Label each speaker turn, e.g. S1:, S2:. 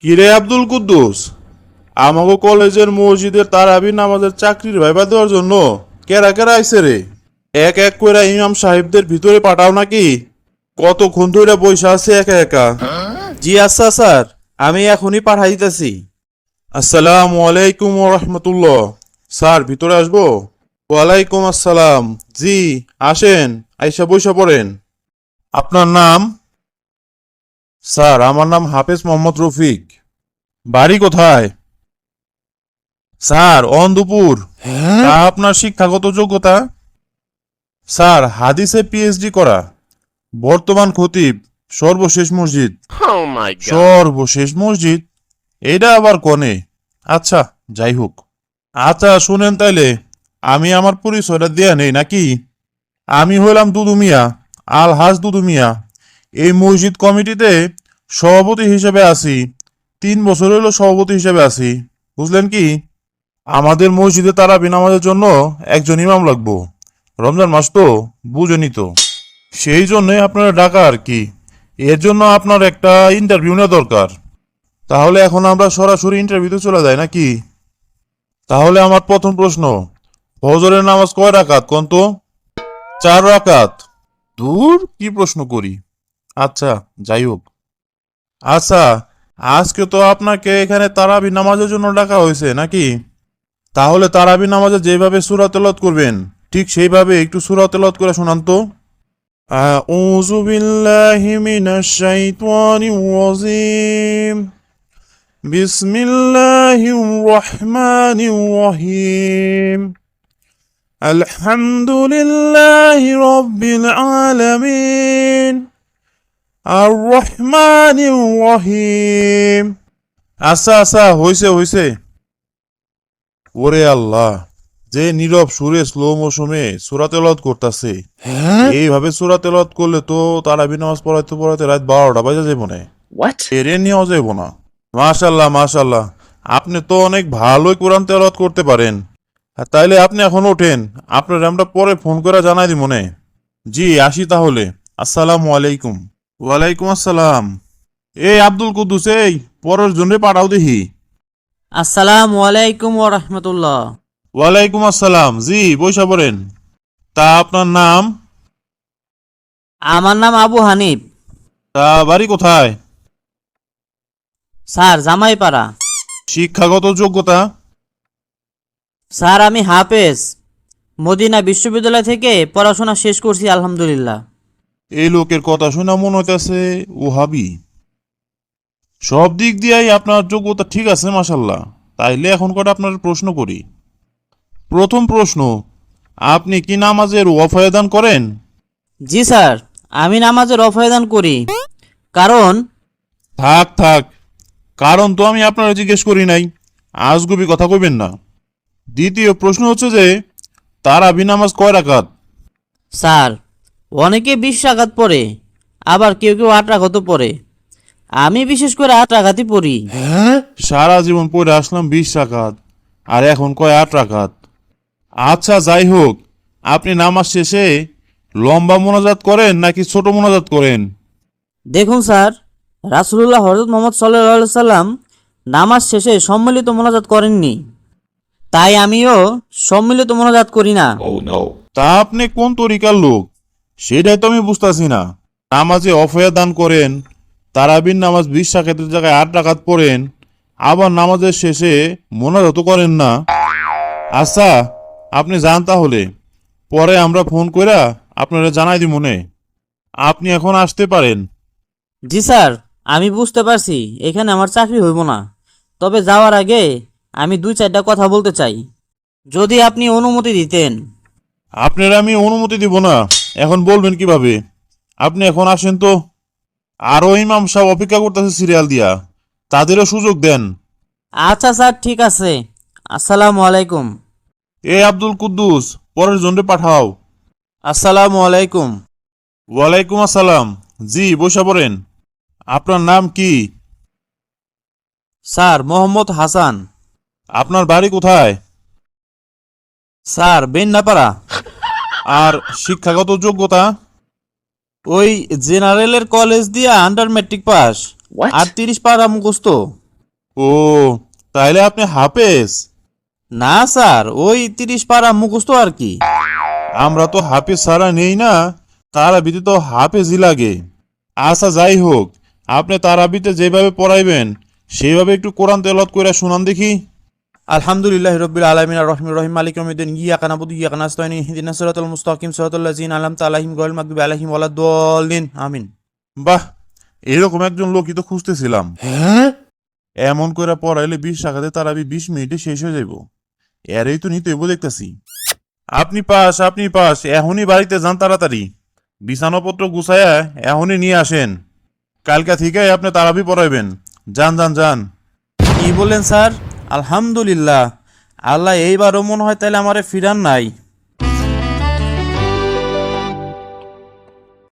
S1: কিরে আব্দুল কুদ্দুস, আমাগো কলেজের মসজিদের তারাবি নামাজের চাকরির ভাইবা দেওয়ার জন্য কেরা কেরা আইছে রে? এক এক কইরা ইমাম সাহেবদের ভিতরে পাঠাও নাকি? কতক্ষণ ধরে বইসা আছে একা একা?
S2: জি আচ্ছা স্যার, আমি এখনই পাঠাই দিতেছি।
S1: আসসালামু আলাইকুম ওয়া রাহমাতুল্লাহ। স্যার ভিতরে আসবো? ওয়ালাইকুম আসসালাম। জি আসেন, আইসা বইসা পড়েন। আপনার নাম? স্যার আমার নাম হাফেজ মোহাম্মদ রফিক। বাড়ি কোথায়? স্যার অন্দুপুর। তা আপনার শিক্ষাগত যোগ্যতা? স্যার হাদিসে পিএইচডি করা, বর্তমান খতিব, সর্বশেষ মসজিদ।
S3: Oh my god.
S1: সর্বশেষ মসজিদ? এটা আবার কনে? আচ্ছা যাই হোক। আচ্ছা শুনেন তাইলে, আমি আমার পরিচয়টা দেয়া নেই নাকি? আমি হইলাম দুদু মিয়া, আল হাজ দুদু মিয়া। এই মসজিদ কমিটিতে সভাপতি হিসেবে আছি। 3 বছর হইল সভাপতি হিসেবে আছি। বুঝলেন কি? আমাদের মসজিদে তারাবি নামাজের জন্য একজন ইমাম লাগবো। রমজান মাস তো, বুঝেনি তো। সেই জন্যই আপনারা ডাকা আর কি। এর জন্য আপনার একটা ইন্টারভিউ নেওয়া দরকার। তাহলে এখন আমরা সরাসরি ইন্টারভিউতে চলে যাই নাকি? তাহলে আমার প্রথম প্রশ্ন, ফজরের নামাজ কয় রাকাত কোন তো? 4 রাকাত। দূর কি প্রশ্ন করি। আচ্ছা যাই হোক। আচ্ছা, আজকে তো আপনাকে এখানে তারাবি নামাজের জন্য ডাকা হয়েছে নাকি? তাহলে তারাবি নামাজে যেভাবে সূরা তেলাওয়াত করবেন ঠিক সেইভাবে একটু সূরা তেলাওয়াত করে শোনান তো। আউযু বিল্লাহি মিনাশ শাইতানির রাজিম। বিসমিল্লাহির রহমানির রহিম। আলহামদুলিল্লাহি রাব্বিল আলামিন। আর রহমানির রহিম। আচ্ছা আচ্ছা, হইছে হইছে। ওরে আল্লাহ, যে নীরব সুরে স্লো মৌসুমে সূরা তেলাওয়াত করতেছে। এইভাবে সূরা তেলাওয়াত করলে তো তারাবি নামাজ পড়াইতে পড়াইতে রাত 12টা বাজে যাবো না।
S3: What?
S1: এরে নিয়েও যাইব না। মাশাল্লাহ মাশাল্লাহ, আপনি তো অনেক ভালোই কোরআন তেলাওয়াত করতে পারেন। তাইলে আপনি এখন ওঠেন, আপনার আমরা পরে ফোন করে জানাই দিব মনে। জি আসি তাহলে। আসসালামু আলাইকুম। ওয়ালাইকুম আসসালাম। এই আব্দুল কুদ্দুস, এই পরের জন্য পাঠাও দেখি।
S4: আসসালামু আলাইকুম ওয়া রাহমাতুল্লাহ।
S1: ওয়ালাইকুম আসসালাম। জি বইসা পড়েন। তা আপনার নাম?
S4: আমার নাম আবু হানিফ।
S1: তা বাড়ি কোথায়?
S4: স্যার জামাইপাড়া।
S1: শিক্ষাগত যোগ্যতা?
S4: স্যার আমি হাফেজ, মদিনা বিশ্ববিদ্যালয় থেকে পড়াশোনা শেষ করছি আলহামদুলিল্লাহ।
S1: এই লোকের কথা শুনে মনে হইতেছে ওহাবি। সব দিক দিয়েই আপনার যোগ্যতা ঠিক আছে মাশাল্লাহ। তাইলে এখন কটা আপনার প্রশ্ন করি। প্রথম প্রশ্ন, আপনি কি নামাজের ওয়াফায়দান করেন?
S4: জি স্যার, আমি নামাজের রফায়দান করি। কারণ
S1: থাক থাক, কারণ তো আমি আপনারা জিজ্ঞেস করি নাই। আজগুবি কথা কইবেন না। দ্বিতীয় প্রশ্ন হচ্ছে যে তারাবি নামাজ কয় রাকাত?
S4: স্যার অনেকে 20 রাকাত পড়ে, আবার কেউ কেউ 8 রাকাতও পড়ে। আমি বিশেষ করে 8 রাকাতই পড়ি।
S1: সারা জীবন পড়ে আসলাম 20 রাকাত, আর এখন কয় 8 রাকাত। আচ্ছা যাই হোক, আপনি নামাজ শেষে লম্বা মোনাজাত করেন নাকি ছোট মোনাজাত করেন?
S4: দেখুন স্যার, রাসূলুল্লাহ হযরত মুহাম্মদ সাল্লাল্লাহু আলাইহি সাল্লাম নামাজ শেষে সম্মিলিত মোনাজাত করেননি, তাই আমিও সম্মিলিত মোনাজাত করি না।
S3: Oh no.
S1: তা আপনি কোন তরিকার লোক সেটাই তো আমি বুঝতেছি না। নামাজে অফয়া দান করেন, তারাবির নামাজ 20 রাকাতের জায়গায় 8 রাকাত পড়েন, আবার নামাজের শেষে মোনাজাত করেন না। আচ্ছা আপনি যান তাহলে, পরে আমরা ফোন কইরা আপনারা জানাই দিব মনে। আপনি এখন আসতে পারেন।
S4: জি স্যার, আমি বুঝতে পারছি এখানে আমার চাকরি হইব না, তবে যাওয়ার আগে আমি 2-4টা কথা বলতে চাই, যদি আপনি অনুমতি দিতেন।
S1: আপনারা আমি অনুমতি দিব না, এখন বলবেন কিভাবে? আপনি এখন আসেন তো। আরো ইমাম সাহেব অপেক্ষা করতেছে সিরিয়াল দিয়া, তাদেরও সুযোগ দেন।
S4: আচ্ছা স্যার ঠিক আছে, আসসালামু আলাইকুম।
S1: এ আব্দুল কুদ্দুস, পরের জন্যে পাঠাও।
S2: আসসালামু আলাইকুম।
S1: ওয়ালাইকুম আসসালাম। জি বসে পড়েন। আপনার নাম কি?
S2: স্যার মোহাম্মদ হাসান।
S1: আপনার বাড়ি কোথায়?
S2: স্যার বেন্নাপাড়া।
S1: আর শিক্ষাগত যোগ্যতা?
S2: ওই জেনারেলের কলেজ দিয়া আন্ডার ম্যাট্রিক পাস।
S3: What?
S2: আর 30 পারা মুখস্থ।
S1: ও, তাইলে আপনি হাফেজ?
S2: না স্যার, ওই 30 পারা মুখস্থ আর কি।
S1: আমরা তো হাফেজ ছাড়া নেই না, তারাবিতে তো হাফেজই লাগে। আচ্ছা যাই হোক, আপনি তারাবিতে যেভাবে পড়াইবেন সেইভাবে একটু কোরআন তেলাওয়াত করে শুনান দেখি।
S2: আলহামদুলিল্লাহি রাব্বিল আলামিন আর রহমানির রহিম মালিক ইয়াউমিদ্দিন ইয়্যাকা না'বুদু ওয়া ইয়্যাকা নাস্তাঈন ইহদিনাস সিরাতাল মুস্তাকিম সিরাতাল লাযিনা আন'আমতা আলাইহিম গায়রিল মাগদুবি আলাইহিম ওয়ালাদ-দাল্লিন আমিন।
S1: বাহ, এরকম একজন লোকই তো খুঁজতেছিলাম। এমন করে পড়াইলে 20 টাকাতে তারাবি 20 মিনিটে শেষ হয়ে যাইব। এরই তো নিতে হইব দেখতেছি। আপনি পাস, আপনি পাস, এখনই বাড়িতে যান তাড়াতাড়ি। বিছানাপত্র গুছায়া এখনই নিয়ে আসেন। কালকা থেকে আপনি তারাবি পড়াইবেন। যান যান যান।
S2: কি বললেন স্যার? আলহামদুলিল্লাহ, আল্লাহ এইবারও মনে হয় তাহলে আমারে ফিরান নাই।